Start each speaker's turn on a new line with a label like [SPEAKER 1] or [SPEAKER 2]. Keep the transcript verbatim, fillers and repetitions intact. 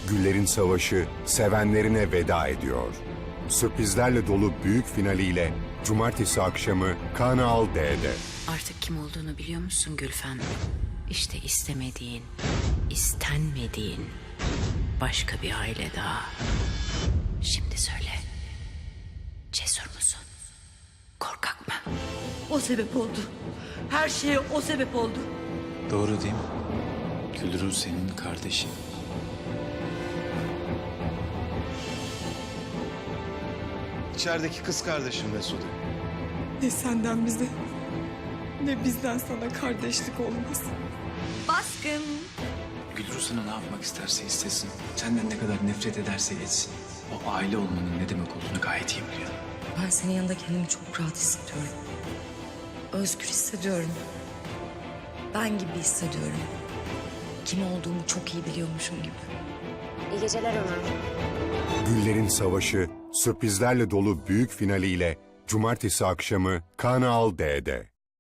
[SPEAKER 1] Güllerin Savaşı sevenlerine veda ediyor. Sürprizlerle dolu büyük finaliyle Cumartesi akşamı Kanal D'de.
[SPEAKER 2] Artık kim olduğunu biliyor musun Gülfem? İşte istemediğin, istenmediğin başka bir aile daha. Şimdi söyle. Cesur musun? Korkak mı?
[SPEAKER 3] O sebep oldu. Her şeye o sebep oldu.
[SPEAKER 4] Doğru değil mi? Gülru senin kardeşin.
[SPEAKER 5] İçerideki kız kardeşim Mesude.
[SPEAKER 6] Ne senden bize, ne bizden sana kardeşlik olmaz.
[SPEAKER 3] Baskın.
[SPEAKER 4] Gülru sana ne yapmak isterse istesin, senden ne kadar nefret ederse etsin, o aile olmanın ne demek olduğunu gayet iyi biliyor.
[SPEAKER 7] Ben senin yanında kendimi çok rahat hissediyorum. Özgür hissediyorum. Ben gibi hissediyorum. Kim olduğumu çok iyi biliyormuşum gibi.
[SPEAKER 8] İyi geceler Ömer.
[SPEAKER 1] Güllerin Savaşı sürprizlerle dolu büyük finaliyle Cumartesi akşamı Kanal D'de.